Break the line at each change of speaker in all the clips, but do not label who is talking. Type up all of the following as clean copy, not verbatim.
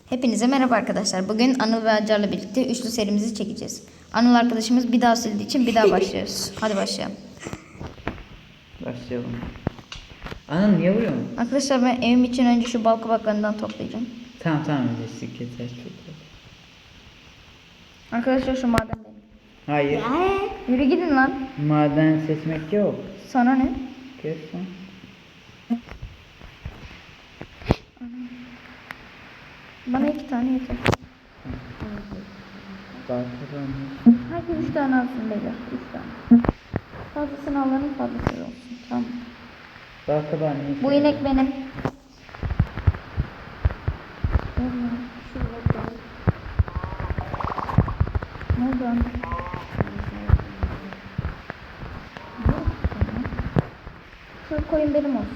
Hepinize merhaba arkadaşlar. Bugün Anıl ve Acar'la birlikte üçlü serimizi çekeceğiz. Anıl arkadaşımız bir daha sildiği için bir daha başlıyoruz. Hadi başlayalım.
Başlayalım. Ana niye vuruyorsun?
Arkadaşlar ben evim için önce şu bal kabaklarından toplayacağım.
Tamam öyleyse yeter çok iyi.
Arkadaşlar şu maden benim.
Hayır.
Yürü gidin lan.
Maden seçmek yok.
Sana ne?
Kesin.
Bana 2 tane yeter. Herkes 3 tane alsın beyler. 3 tane. Fazlasını alanın fazlası olsun. Tamam.
Balkabağı ne?
Bu inek benim. Ne oldu lan? Şu koyun benim olsun.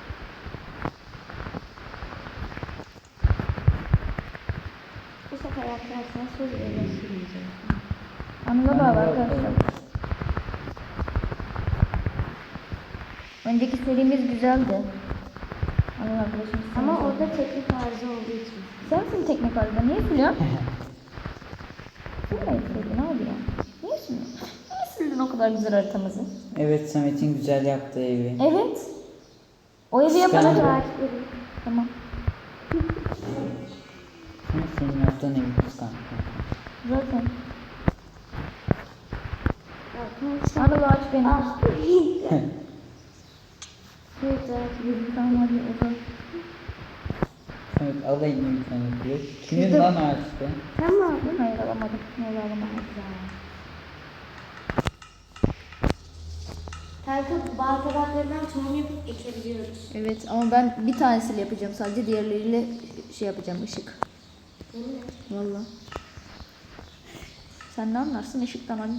Bu sefer arkadaşlar söz öyle
Anıla bağlı arkadaşlar. Önceki serimiz güzeldi. Anıl arkadaşım.
Ama orada teknik arıza olduğu için.
Sensin teknik arada. Niye siliyorsun? Silmeyi sildin abi ya. Niye siliyorsun? Niye sildin o kadar güzel haritamızı?
Evet Samet'in güzel yaptığı evi.
Evet. O evi yapana
Kıskandım.
kadar. Tamam.
Ama senin yaptığın evi kıskandım.
Zaten.
Arkadaşlar.
Anıl ağaç benim.
Ah. Güzel.
Tamam hadi uzan.
Samet alayım bir tane diyor. Kimin
Şurada-
lan ağaçta?
Sen mi aldın?
Hayır alamadım. Ne olur alamadım.
Kanka bal kabaklarından tohum yapıp ekebiliyoruz.
Evet ama ben bir tanesiyle yapacağım sadece. Diğerleriyle şey yapacağım ışık.
Değil mi?
Valla. Sen ne anlarsın ışıktan anne?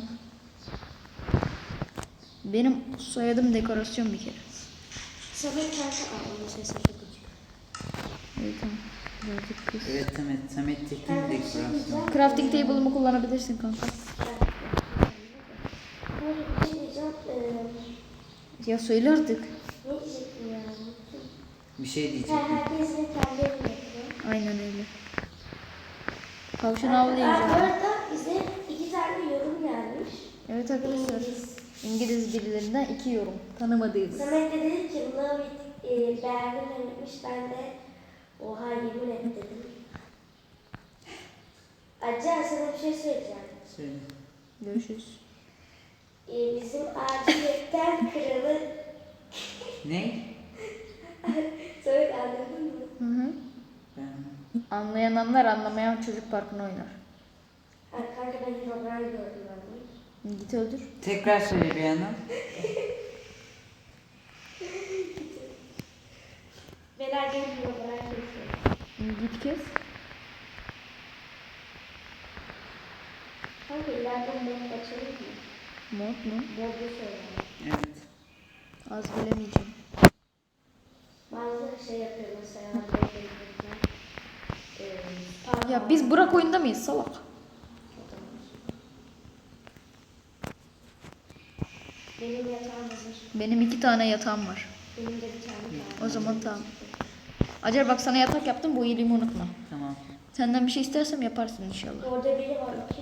Benim soyadım dekorasyon bir kere.
Sabır kanka aldım sesi çok küçük.
Evet tamam. Birazcık kız.
Evet Samet tekin
Kanka bir şey
dekorasyon.
diyeceğim.
Crafting table'ımı kullanabilirsin kanka.
Hayır bir şey diyeceğim.
Ya söyle artık.
Ne diyecektim ya?
Bir şey diyeceğim.
Herkesin kendi evini yapıyor.
Aynen öyle. Tavşan
Bu
avlayacağım.
arada bize 2 tane yorum gelmiş.
Evet arkadaşlar.
İngiliz.
İngiliz birilerinden 2 yorum. Tanımadığımız.
Samet de dedi ki love it beğendim demiş. Ben de oha yemin et dedim. Acar sana bir şey söyleyeceğim.
Söyle.
Görüşürüz.
Bizim aciletten kralı
Ne?
Samet anladın mı?
Hı hı.
Ben...
Anlayan anlar, anlamayan çocuk parkına oynar.
Ha, kanka ben Herobrine gördüm ben.
Git öldür.
Tekrar söyle bir yana.
Beyler gelin Herobrine kesiyor.
Git kes.
Kanka ileride mod açalım mı?
Mod mu?
Modlu söyle.
Evet.
Az bilemeyeceğim.
Bazı şey yapıyor mesela.
Ya biz Burak oyunda mıyız salak?
Benim yatağım hazır.
Benim 2 tane yatağım var.
Benim de bir tane var.
O zaman tamam. Acar bak sana yatak yaptım, bu iyiliğimi unutma.
Tamam.
Senden bir şey istersem yaparsın inşallah.
Orada biri var kim?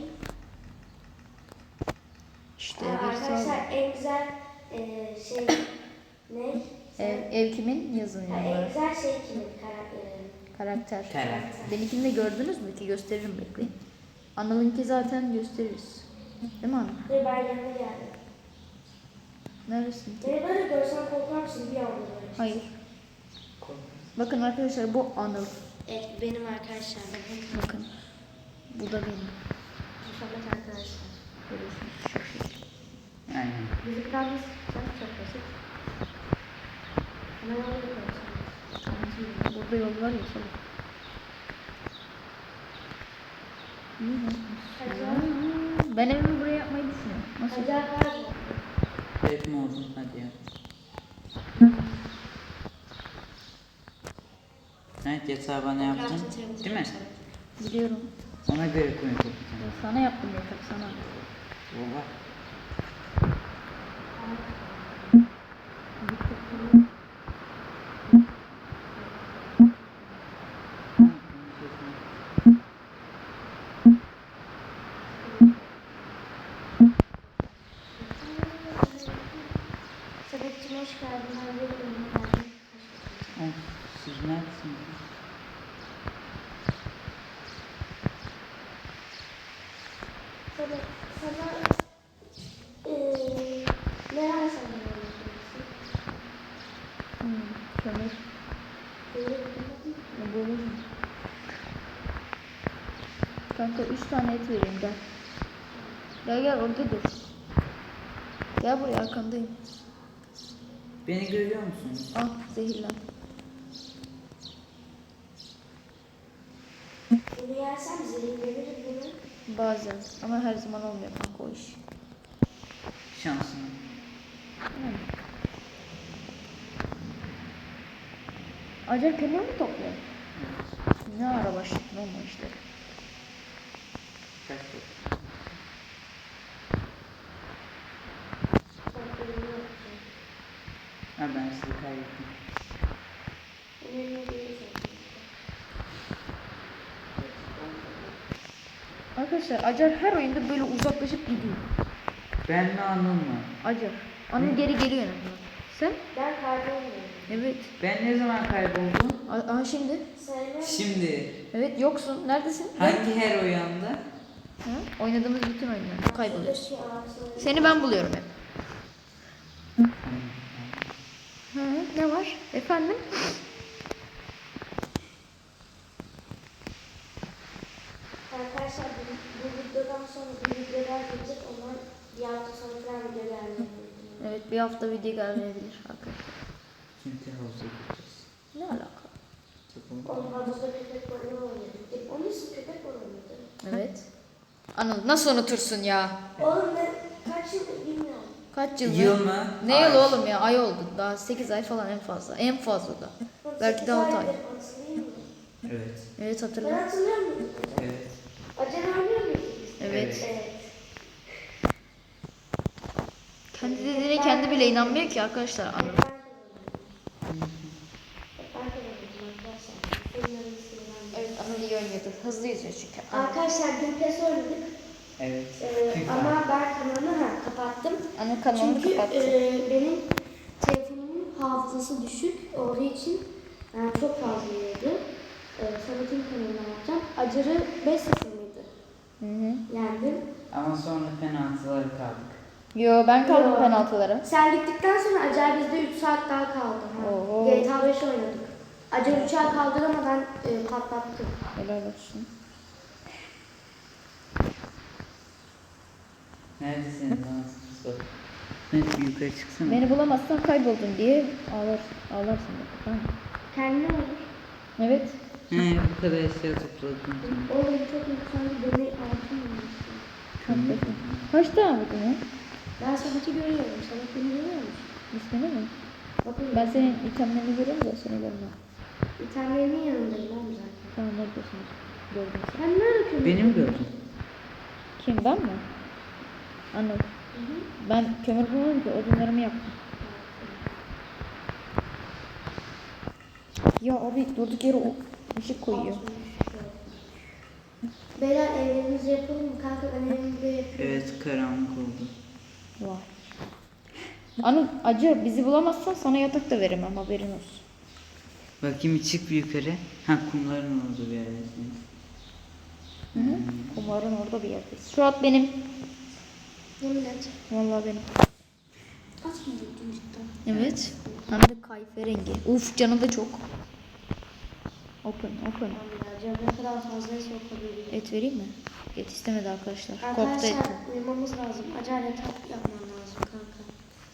İşte bir
Arkadaşlar
sağ
en güzel şey ne?
ev kimin? Yazın
Ha, en
yorumlara.
güzel şey kimin?
Karakter.
Karakter.
Benimkini de gördünüz mü ki? Gösteririm bekleyin. Anıl'ınki zaten gösteririz. Değil mi Anıl?
Ve ben yanına geldim.
Neresin?
Beni böyle görsen korkar mısın bir anda böyle?
Hayır. Bakın arkadaşlar bu Anıl.
Evet benim arkadaşlar.
Bakın. Bu da benim.
Muhammed arkadaşlar.
Görüyorsunuz şu şekilde.
Aynen.
Bizim planımız çok basit. Ama öyle yapıyoruz.
Burada yol var ya salak. Ben evimi buraya yapmayı düşünüyorum. Nasıl?
Hacer var mı?
Evet mi oldun? Hadi ya. Evet yatağı bana yaptın. Değil mi?
Biliyorum.
Ona göre koyun kapatın.
Sana yaptım yatak sana.
Baba.
Kanka 3 tane et vereyim gel. Gel gel orada dur. Gel buraya arkandayım.
Beni görüyor musunuz?
Ah zehirlen.
Bunu yersem zehirlenirim bunu.
Bazen ama her zaman olmuyor kanka o iş.
Şansım.
Yani. Acayip kömür mü topluyor? Ne ara başladın olma işte.
Kaç oldu?
Çok ürünü yapacağım.
Ha ben sizi kaybettim.
Önemli değil zaten.
Arkadaşlar Acar her oyunda böyle uzaklaşıp gidiyor.
Ben mi Anıl mı?
Acar. Anıl geri geliyor en azından. Sen?
Ben kaybolmuyorum.
Evet.
Ben ne zaman kayboldum?
Aha şimdi.
Sayılır.
Şimdi.
Evet yoksun. Neredesin?
Hangi her oyanda?
Ha? Oynadığımız bütün oyunlar. Kayboluyorsun.
Şuradaki ağaçları-
Seni ben buluyorum hep. Hı, ne var? Efendim?
Arkadaşlar bu videodan sonra bir videolar gelecek. Onlar bir hafta sonra falan video gelmeyecek.
Evet bir hafta video gelmeyebilir arkadaşlar.
Çünkü havuza gideceğiz.
Ne alaka?
Onun havuzda köpek balığı oynadık. Onun ismi köpek balığı mıydı?
Evet. Anıl nasıl unutursun ya?
Oğlum ben kaç yıldır bilmiyorum.
Kaç yıl?
Yıl mı?
Ne
Ay.
yıl oğlum ya? Ay oldu. Daha 8 ay falan en fazla. En fazla da. Belki de 6 ay.
Hatırlayayım mı?
Evet.
Evet
Ben
hatırla.
hatırlıyor muyum?
Evet.
Acaba oynuyor muyduk?
Evet.
Evet.
Kendi dediğine kendi bile inanmıyor ki arkadaşlar. Anıl.
Ben kazandım arkadaşlar. Bunların ismini ben de-
Evet Anıl iyi oynuyordu. Hızlı yüzüyor çünkü.
Arkadaşlar dün PES oynadık.
Evet.
Ama ben kanalımı kapattım.
Anıl kanalını
Çünkü
kapattı.
benim telefonumun hafızası düşük olduğu için yani çok fazla yiyordu. Samet'in kanalına bakacağım. Acar'ı 5-0 mıydı?
Hı hı.
Yendim.
Ama sonra penaltıları kaldık.
Yo ben kaldım
Yo.
penaltılara.
Sen gittikten sonra Acar bizde 3 saat daha kaldı. Ha.
Oo.
GTA 5 oynadık. Acar uçağı kaldıramadan patlattı.
Helal olsun.
Neredesiniz lan siz? Bak. Evet bir yukarı çıksana.
Beni bulamazsan kayboldun diye ağlarsın bak. Tamam mı?
Kendine olur.
Evet.
He bu kadar eşya topladım.
Oğlum çok insanlı beni altın olmuştu.
Haklısın. Kaç tane vurdun ya?
Ben Samet'i görüyorum. Samet beni görüyor musun?
İsmini mi?
Bakın
Ben senin itemlerini görüyorum da seni görmüyorum.
İtalyanın yanındayım oğlum zaten.
Tamam neredesin? Gördüm seni.
Sen nerede kömür?
Beni mi gördün?
Kim ben mi? Anladım. Ben kömür bulmadım ki odunlarımı yaktım. Ya abi durduk yere o ışık koyuyor.
Beyler evlerimizi yapalım mı? Kanka ben evimde yapıyorum.
Evet karanlık oldu.
Vay. Anıl acı bizi bulamazsan sana yatak da veremem haberin olsun.
Bakayım çık bir yukarı. Ha kumların olduğu bir yerdesin.
Hı hı. Kumarın orada bir yerdeyiz. Şu at benim.
Yemin et.
Vallahi benim.
Kaç mı buldun cidden?
Evet. Hem de kayfe rengi. Uf canı da çok. Open.
Abi ya canım ne kadar fazlaysa o kadar iyi.
Et vereyim mi? Et istemedi arkadaşlar. Korktu
Arkadaşlar
etten.
uyumamız lazım. Acayip yatak yapman lazım kanka.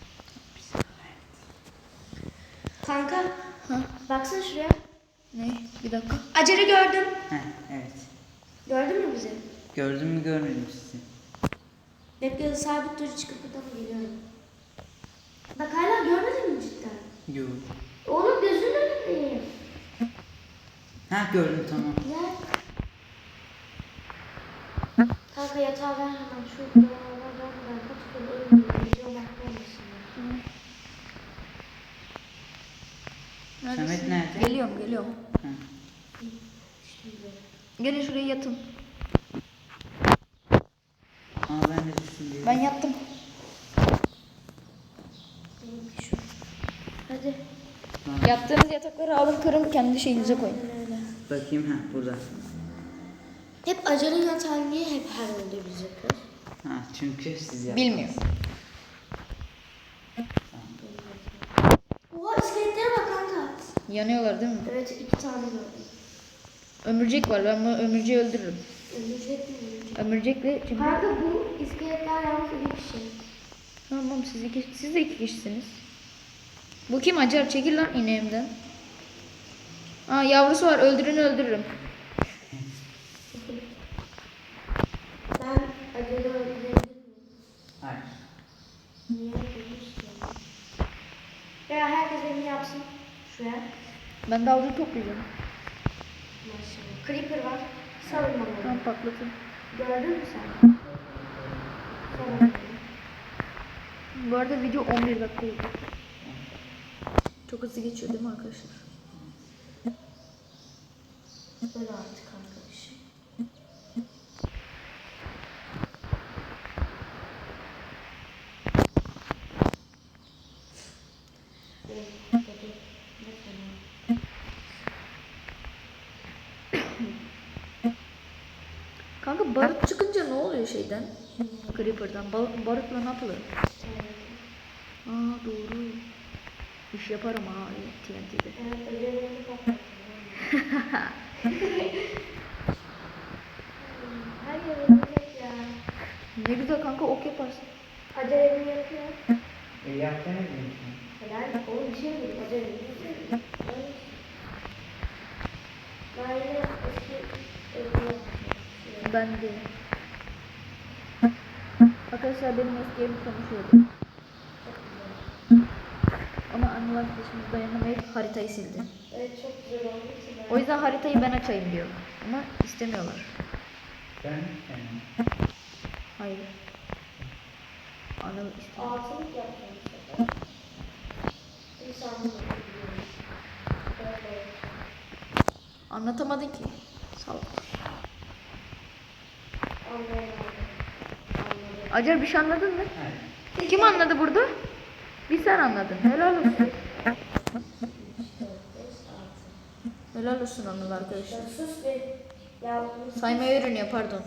Kanka
Ha?
baksana şuraya.
Ne? Bir dakika.
Acar'ı gördüm.
Heh evet.
Gördün mü bizi?
Gördün mü görmedim sizi.
Bekle sabit dur çıkıp buradan geliyorum. Bak hala görmedin mi cidden?
Yok.
Oğlum gözünün önündeyim.
Ha gördüm tamam.
Gel. Kanka yatağı ver hemen şu buralardan vermeden kaç gün ölmüyor. Video bakmamışsın ya.
Samet nerede?
Geliyorum.
Ha.
Gelin şuraya yatın.
Aa ben de düştüm diye.
Ben yattım.
Benimki şu. Hadi.
Tamam.
Yattığınız yatakları alın kırın kendi şeyinize koyun.
Öyle.
Bakayım ha burada.
Hep Acar'ın yatağı niye hep her oldu biz yapıyoruz?
Ha çünkü siz yaptınız.
Bilmiyorum.
Oha iskeletlere bak kanka.
Yanıyorlar değil mi?
Evet 2 tane gördüm.
Ömürcek var. Ben bu ömürceği öldürürüm. Ömürcekli çünkü.
Kanka bu iskeletler yalnız bir kişi.
Tamam siz de 2 kişisiniz. Bu kim Acar? Çekil lan ineğimden. Aa yavrusu var, öldürürüm.
Ben acele öldürebilir miyim?
Hayır.
Niye öldürmüş ki? Ya herkes benim yapsın. Şuraya.
Ben de avcı toplayacağım.
Maşallah. Creeper var. Savunma var.
Tamam patlatın.
Gördün mü sen? Savunma.
Bu arada video 11 dakika oldu. Çok hızlı geçiyor değil mi arkadaşlar?
Böyle artık arkadaşım.
Kanka barut çıkınca ne oluyor şeyden? Creeper'dan. Barutla ne yapılır? Aa doğru. İş yaparım ha TNT'de.
Evet, ödevlerini patlattım. Hayır, ölecek ya.
Ne güzel kanka ok yaparsın.
Acelemi yapıyor.
Yaptığını biliyorsun.
Helal, o bir şey değil. Acelemi yapıyor. Ben yine eski evime
Ben de. Arkadaşlar benim eski evim konuşuyordu. Ama Anıl arkadaşımız dayanamayıp haritayı sildi.
Evet, çok güzel oldu ki ben.
O yüzden haritayı ben açayım diyor. Ama istemiyorlar.
Ben
Hayır. Anıl istemiyor.
Altılık yapacağım bu sefer. İnsanlık yapıyorum. Böyle.
Anlatamadın ki. Salak.
Anlayamadım. Anladım.
Acar bir şey anladın mı?
Hayır.
Kim anladı burada? Bir sen anladın. Helal olsun.
3, 4, 5, 6.
Helal olsun Anıl arkadaşlar.
Ya sus be. Ya
Saymayı öğreniyor pardon.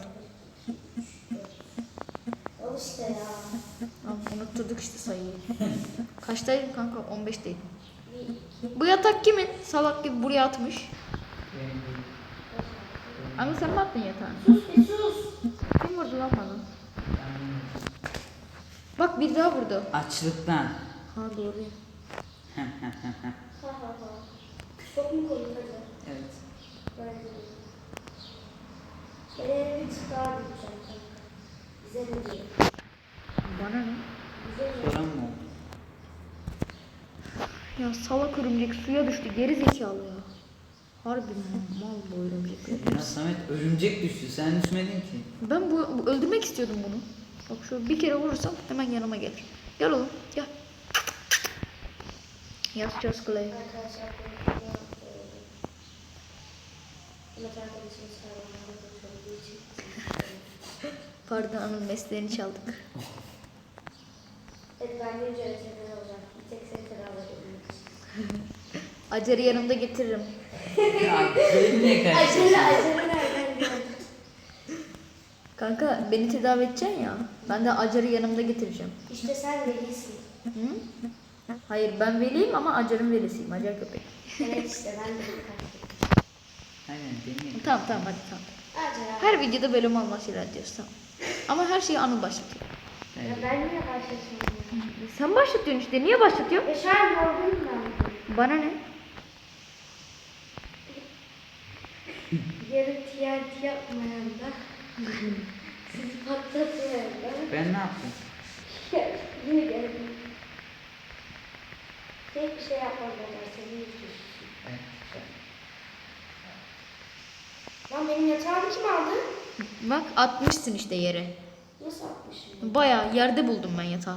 al işte ya.
Tamam, unutturduk işte sayıyı. Kaçtaydın kanka? 15'teydin. Bu yatak kimin? Salak gibi buraya atmış. Anıl sen mi attın yatağını?
Sus bir sus.
Kim vurdu lan bana? Bak bir daha vurdu.
Açlıktan.
Ha doğru.
Ha ha ha. Çok mu komik acaba?
Evet.
Bence de. Bir tık daha gideceğim kanka. Bize ne diyor?
Bana ne?
Bize ne?
Soran mı oldu?
Ya salak örümcek suya düştü. Geri zekalı ya. Harbi mal bu örümcekler.
Ya Samet örümcek düştü. Sen düşmedin ki.
Ben bu öldürmek istiyordum bunu. Bak şu bir kere vurursam hemen yanıma gelir. Gel oğlum gel. Yazacağız Clay.
Arkadaşlar benim Mehmet arkadaşımız hayvanlarla götürdüğü için.
Pardon Anıl mesleğini çaldık.
Evet, ben bir öğretmen olacağım. Bir tek seni tedavi edebilmek için.
Acar'ı yanımda getiririm.
Ya benim niye karıştırdın?
Acele nereden geldi?
Kanka beni tedavi edeceksin ya. Ben de Acar'ı yanımda getireceğim.
İşte sen velisin.
Hı? Hayır ben veliyim ama Acar'ın velisiyim. Acar köpek.
Evet işte ben de bir
Aynen deneyelim.
Tamam hadi tamam.
Acele.
Her videoda böyle mal şeyler diyoruz tamam. Ama her şeyi Anıl başlatıyor.
Ya ben niye başlatıyorum?
Sen başlatıyorsun işte. Niye başlatıyorsun?
Ya şu an yorgunum ben.
Bana ne?
Yarın TNT yapmayan da sizi patlatmayan da
Ben ne yaptım?
niye geldin? Tek bir şey yapmadan seni izliyorsun.
Evet.
Lan benim yatağımı kim aldı?
Bak atmışsın işte yere.
Nasıl atmışım?
Bayağı yerde buldum ben yatağı.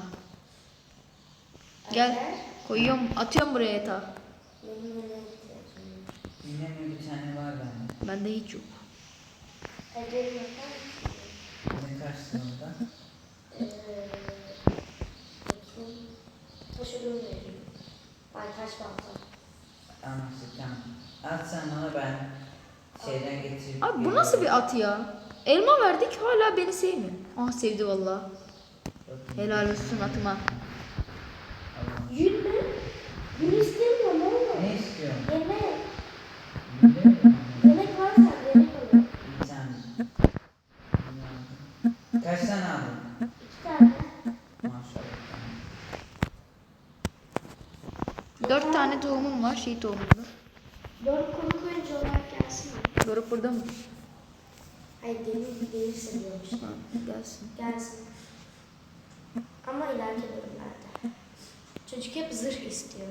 Gel.
Acar,
Koyuyorum, atıyorum buraya yatağı.
benim öyle ihtiyacım yok.
Yine mi bir tane var bende?
Bende hiç yok.
Acar'ı yapar mısın?
Ne karşısın orada?
Bakayım. Taş ölüm vereyim. Ay taş balta.
Anlaştık tamam. At sen bana ben şeyden getirip...
Abi bu nasıl bir at ya? Elma verdik hala beni sevmiyor. Ah sevdi vallahi. Helal olsun atıma.
Allah'ım.
Yün mü? Yün istemiyorum oğlum.
Ne istiyorsun?
Yemek.
Biliyorum.
Yemek varsa yemek alalım.
Bir tane.
şey tohumunu.
Doruk konuk oyuncu olarak gelsin mi?
Doruk burada mı?
Hayır gelirse diyormuş.
Ha, gelsin.
Gelsin. Ama ileriki bölümlerde. Çocuk hep zırh istiyor.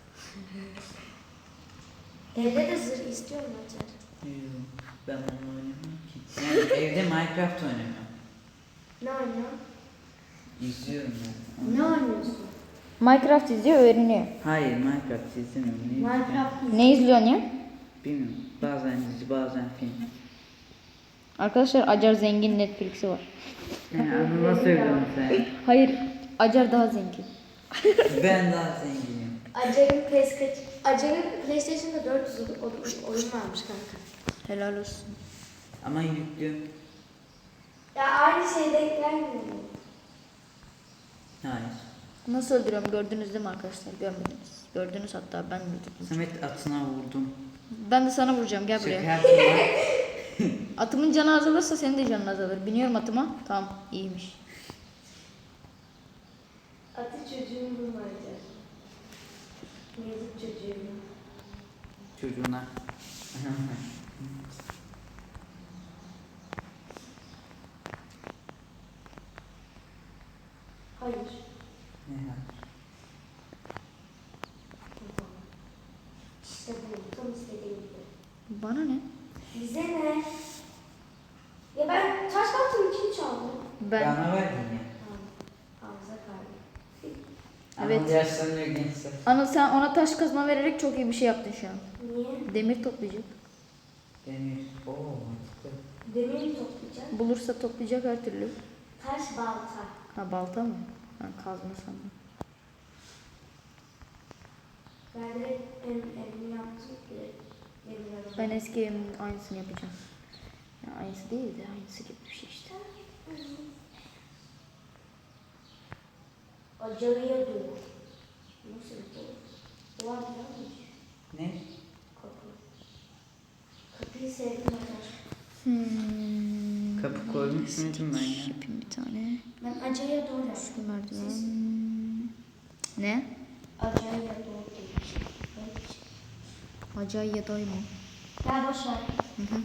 Evde de zırh istiyor mu Acar?
Yok, ben onu oynamam ki. Yani evde Minecraft oynamam.
Ne oynuyor?
İzliyorum ben.
Ne oynuyorsun?
Minecraft izliyor, öğreniyor.
Hayır, Minecraft izlemiyorum. Ne izliyorum?
Minecraft mı?
Ne izliyorsun ya?
Bilmiyorum. Bazen dizi, bazen film.
Arkadaşlar Acar zengin, Netflix'i var.
Onu nasıl söylüyorsun sen?
Hayır, Acar daha zengin.
Ben daha zenginim.
Acar'ın PlayStation'da 400 oyun varmış kanka.
Helal olsun.
Ama yüklü.
Ya aynı şey denk gelmiyor mu?
Hayır.
Nasıl öldürüyorum gördünüz değil mi arkadaşlar? Görmediniz. Gördünüz hatta ben öldürdüm.
Samet atına vurdum.
Ben de sana vuracağım, gel
Şaka
buraya.
yaptım lan.
Atımın canı azalırsa senin de canın azalır. Biniyorum atıma. Tamam, iyiymiş.
Atı çocuğun vurma Acar. Yazık çocuğuna.
Çocuğuna.
Hayır.
Ne ya?
İşte bu tam istediğim gibi.
Bana ne?
Bize ne? Ya ben taş baktım kim çaldı?
Ben.
Bana verdin ya.
Hamza kaldı.
Evet.
Ama yaşlanıyor gençler.
Anıl sen ona taş kazma vererek çok iyi bir şey yaptın şu an.
Niye?
Demir toplayacak.
Demir. Oo mantıklı.
Demir mi toplayacak?
Bulursa toplayacak her türlü.
Taş balta.
Ha balta mı? Ben kazma sandım.
Ben de evimi yaptım ki.
Ben eski evimin aynısını yapacağım. Ya aynısı değil de aynısı gibi bir şey işte.
Acıya dur. Nasıl bu? Bu var mıymış?
Ne?
Kapı. Kapıyı sevdim Acar.
Kapı koymuş muydum ben ya?
Yapayım bir tane.
Ben acıya doğru yaptım.
Şu merdiven. Ne?
Acıya doğru demişim.
Acayip ya mı?
Gel boş ver.
Hı hı.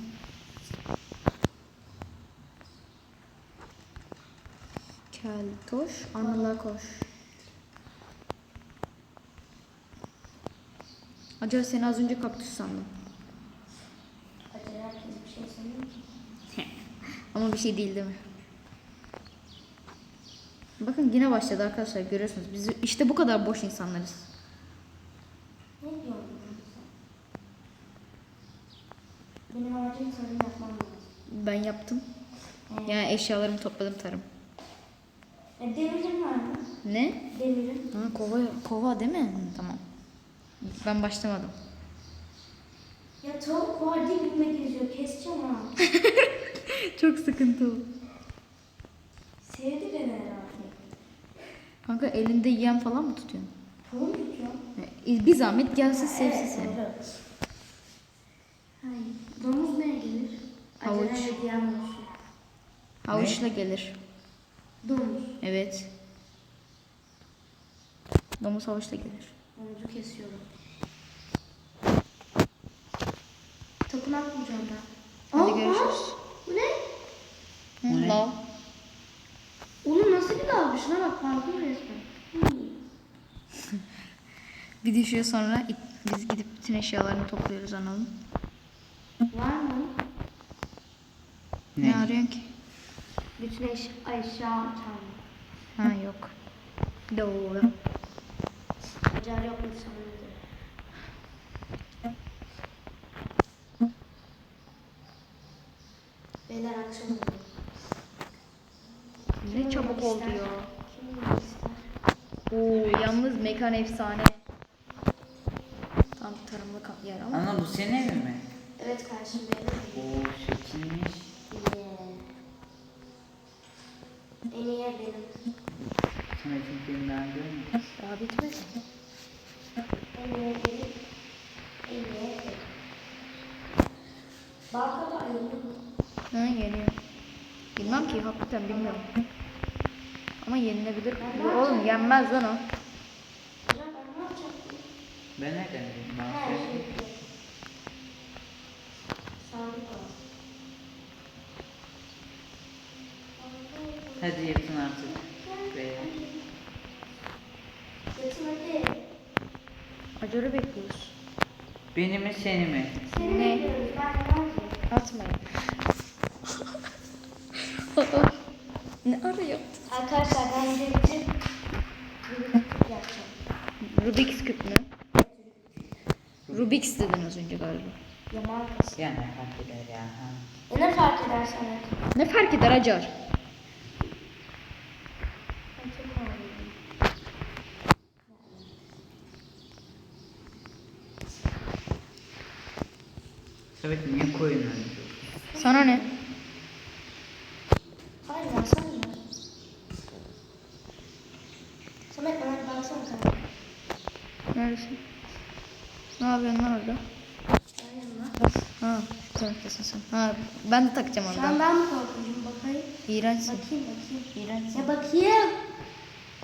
Keltoş, Anıl'a koş. Acaba seni az önce kaktüs sandım.
Acıya herkes bir şey sanıyor ki.
Ama bir şey değil değil mi? Bakın yine başladı arkadaşlar, görüyorsunuz. Biz işte bu kadar boş insanlarız.
Ne diyorsun sen? Benim amacım tarım yapmam lazım.
Ben yaptım. Yani eşyalarımı topladım, tarım.
Demirim var mı?
Ne?
Demirim.
Ha, kova değil mi? Hı, tamam. Ben başlamadım.
Ya tavuk var dibime geziyor. Keseceğim ha.
Çok sıkıntı o.
Sevdi beni herhalde.
Kanka elinde yem falan mı tutuyorsun?
Tavuk tutuyor.
Bir zahmet gelsin sevsin seni.
doğru. Hayır. Domuz neye gelir?
Havuç.
Acele hediyen olsun.
Havuçla gelir.
Domuz.
Evet. Domuz havuçla gelir.
Domuzu kesiyorum. Tapınak bulacağım ben.
Hadi
Aa,
görüşürüz.
Bu ne?
Hı, lav.
Onun nasıl bir dalga? Şuna bak parkur resmen.
Bir düşüyor sonra biz gidip bütün eşyalarını topluyoruz Anıl'ın.
Var mı?
Ne arıyorsun ki?
Bütün eşya çalma.
Ha yok. Doğru.
Acar yok mu sanırım? Beyler akşam oldu.
Ne çabuk oldu ya.
Kim yemek ister?
Oo, yalnız mekan efsane. Tam tarımlık yer ama.
Ana bu senin evin mi?
Evet kardeşim benim.
Oo şekilmiş.
Yeah. En iyi yer benim.
Samet'in filmden görmedim.
Daha bitmedi.
En iyi yer benim. En iyi yer benim. Balkada ayırıyor mu?
Ha geliyor. Bilmem ki hakikaten bilmiyorum. Ama yenilebilir. Oğlum yenmez lan o.
Acar ben ne yapacaktım?
Ben nereden bileyim?
Ha,
Mahsus.
şey. Sandık var.
Hadi yapın artık. Beyler.
Yatın hadi.
Acarı bekliyoruz.
Beni mi seni mi?
Seni
Ne?
bekliyoruz. Ben ne yapayım?
Atmayın. Ne ara yaptın?
Arkadaşlar ben de için yapacağım.
Rubik's küp mü? Rubik's dedin az önce galiba.
Ya markası.
Ya ne fark eder ya? Ha.
Ya ne fark eder sana?
Ne fark eder Acar?
Ben çok ağlıyorum.
Evet niye koyun öyle?
Sana ne?
Hayır ya sen ya. Samet bana bir baksana kanka.
Neredesin? Ne yapıyorsun lan orada?
Ben yanına.
Ha, şu taraftasın sen. Ha, ben de takacağım
Şu an
oradan.
ben mi korkuyorum? Bakayım.
İğrençsin.
Bakayım.
İğrençsin.
Ya bakayım.